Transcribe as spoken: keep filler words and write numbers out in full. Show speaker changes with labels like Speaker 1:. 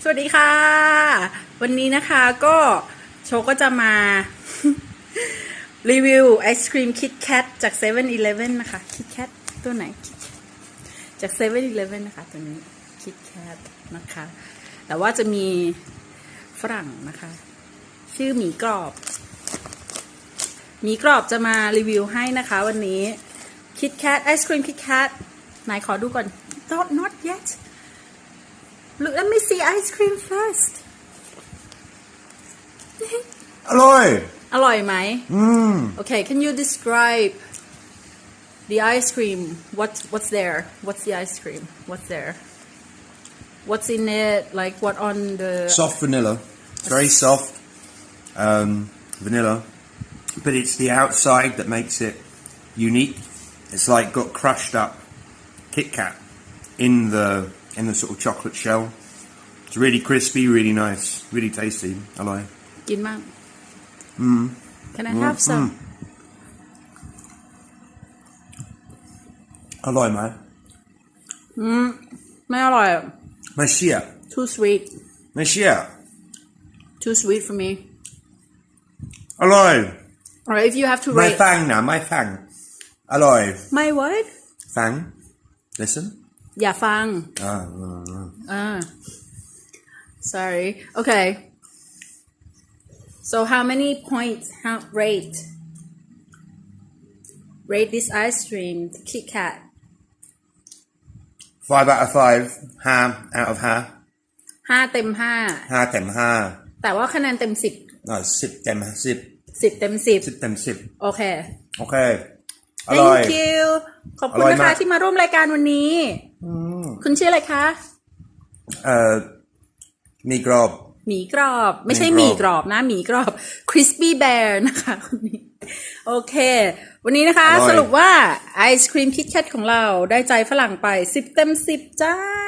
Speaker 1: สวัสดีค่ะวันนี้นะคะก็โชก็จะมา รีวิวไอศครีมคิทแคทจาก เซเว่นอีเลฟเว่น นะคะคิทแคทตัวไหนจาก เซเว่นอีเลฟเว่น นะคะตัวนี้คิทแคทนะคะแต่ว่าจะมีฝรั่งนะคะชื่อหมีกรอบหมีกรอบจะมารีวิวให้นะคะวันนี้คิทแคทไอศครีมคิทแคทไหนขอดูก่อน not not yet Look, let me see ice cream first.
Speaker 2: อร่อย
Speaker 1: อร่อยไหม
Speaker 2: อืม
Speaker 1: Okay, can you describe the ice cream? What what's there? What's the ice cream? What's there? What's in it? Like what on the
Speaker 2: soft vanilla. It's very soft um, vanilla, but it's the outside that makes it unique. It's like got crushed up Kit Kat in the in the sort of chocolate shell. It's really crispy, really nice, really tasty. อร่อย
Speaker 1: กินมั่ง
Speaker 2: อืม
Speaker 1: Can I have some?
Speaker 2: อร่อยไหม
Speaker 1: อืมไม่อร่อย
Speaker 2: ไม่เชื่อ
Speaker 1: Too sweet.
Speaker 2: ไม่เชื่อ
Speaker 1: Too sweet for me.
Speaker 2: อร่อย
Speaker 1: Alright, if you have to
Speaker 2: ไม่
Speaker 1: rate
Speaker 2: ฟังนะไม่ฟังอร่อย
Speaker 1: My what?
Speaker 2: ฟัง listen
Speaker 1: อย่าฟัง
Speaker 2: อ่าอ่าอ่า
Speaker 1: Ah, sorry. Okay. So how many points? How rate? Rate this ice cream, the Kit Kat.
Speaker 2: five out of five ห้า out of ห้า
Speaker 1: ห้าเต็มห้า
Speaker 2: ห้าเต็มห้า
Speaker 1: แต่ว่าคะแนนเต็มสิบ
Speaker 2: อ่าสิบเต็มสิบ
Speaker 1: สิบเต็มสิบ
Speaker 2: สิบเต็มสิบ
Speaker 1: โอเค
Speaker 2: โอเคอร่อย
Speaker 1: Thank you ขอบคุณ
Speaker 2: อร่อย
Speaker 1: นะ
Speaker 2: มา
Speaker 1: คะ
Speaker 2: ก
Speaker 1: ที่มาร่วมรายการวันนี้ คุณชื่ออะไรคะ
Speaker 2: เอ่อมีกรอบ
Speaker 1: หมีกรอบ ไม่ใช่
Speaker 2: ห
Speaker 1: ห
Speaker 2: มี
Speaker 1: มี
Speaker 2: ก
Speaker 1: ก
Speaker 2: ร
Speaker 1: ร
Speaker 2: อ
Speaker 1: อบ บนะหมีกรอบ Crispy Bear นะคะคนนี้ โอเค วันนี้นะคะ
Speaker 2: อร่อย
Speaker 1: สรุปว่าไอศครีมคิทแคทของเราได้ใจฝรั่งไปสิบเต็มสิบจ้า